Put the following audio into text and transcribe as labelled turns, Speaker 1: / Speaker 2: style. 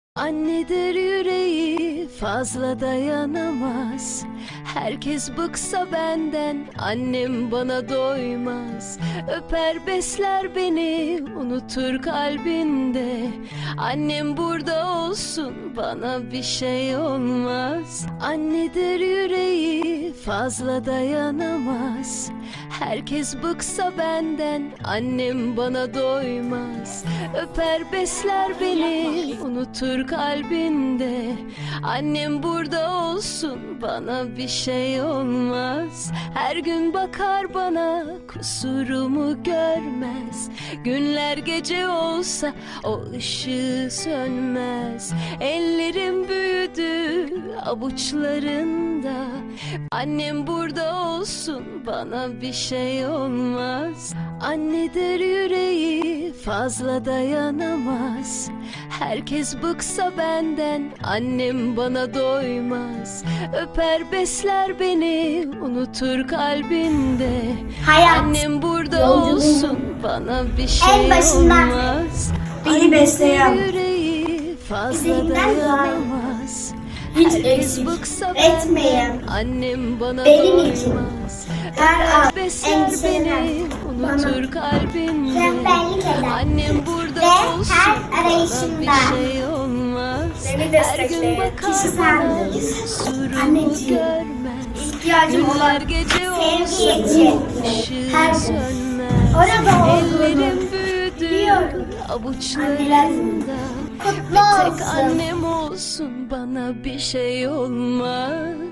Speaker 1: Annedir yüreği fazla dayanamaz. Herkes bıksa benden, annem bana doymaz. Öper besler beni, unutur kalbinde. Annem burada olsun, bana bir şey olmaz. Annedir yüreği fazla dayanamaz. Herkes bıksa benden, annem bana doymaz. Öper besler beni, unutur kalbinde. Annem burada olsun, bana bir şey olmaz. Her gün bakar bana, kusurumu görmez. Günler gece olsa o ışığı sönmez. Ellerim büyüdü avuçlarında. Annem burada olsun, bana bir şey olmaz. Annedir yüreği fazla dayanamaz. Herkes bıksa benden, annem bana doymaz. Öper besler beni, unutur kalbinde. Annem burada olsun, bana bir şey olmaz.
Speaker 2: Beni besleyen,
Speaker 1: Yüreği fazla
Speaker 2: istediğinden
Speaker 1: dayanamaz.
Speaker 2: hiç
Speaker 1: Herkes
Speaker 2: eksik
Speaker 1: bıksa
Speaker 2: etmeyen,
Speaker 1: benden, annem bana
Speaker 2: benim için
Speaker 1: doymaz.
Speaker 2: her an
Speaker 1: Besler
Speaker 2: endişelenen,
Speaker 1: beni, unutur kalbinde.
Speaker 2: rehberlik eden
Speaker 1: Annem burada
Speaker 2: ve
Speaker 1: olsun,
Speaker 2: her
Speaker 1: bana
Speaker 2: arayışımda
Speaker 1: bir şey olmaz.
Speaker 2: beni
Speaker 1: Her gün
Speaker 2: destekleyen
Speaker 1: bakar
Speaker 2: kişi
Speaker 1: bana,
Speaker 2: sendir.
Speaker 1: kusurumu
Speaker 2: Anneciğim,
Speaker 1: görmez.
Speaker 2: İhtiyacım
Speaker 1: Günler
Speaker 2: olan
Speaker 1: gece
Speaker 2: sevgi
Speaker 1: olsa
Speaker 2: için
Speaker 1: ışığı
Speaker 2: her gün
Speaker 1: sönmez.
Speaker 2: orada
Speaker 1: Ellerim
Speaker 2: olduğunu
Speaker 1: büyüdü
Speaker 2: biliyorum.
Speaker 1: avuçlarında.
Speaker 2: Kutlu
Speaker 1: Bir tek
Speaker 2: olsun.
Speaker 1: annem olsun, bana bir şey olmaz.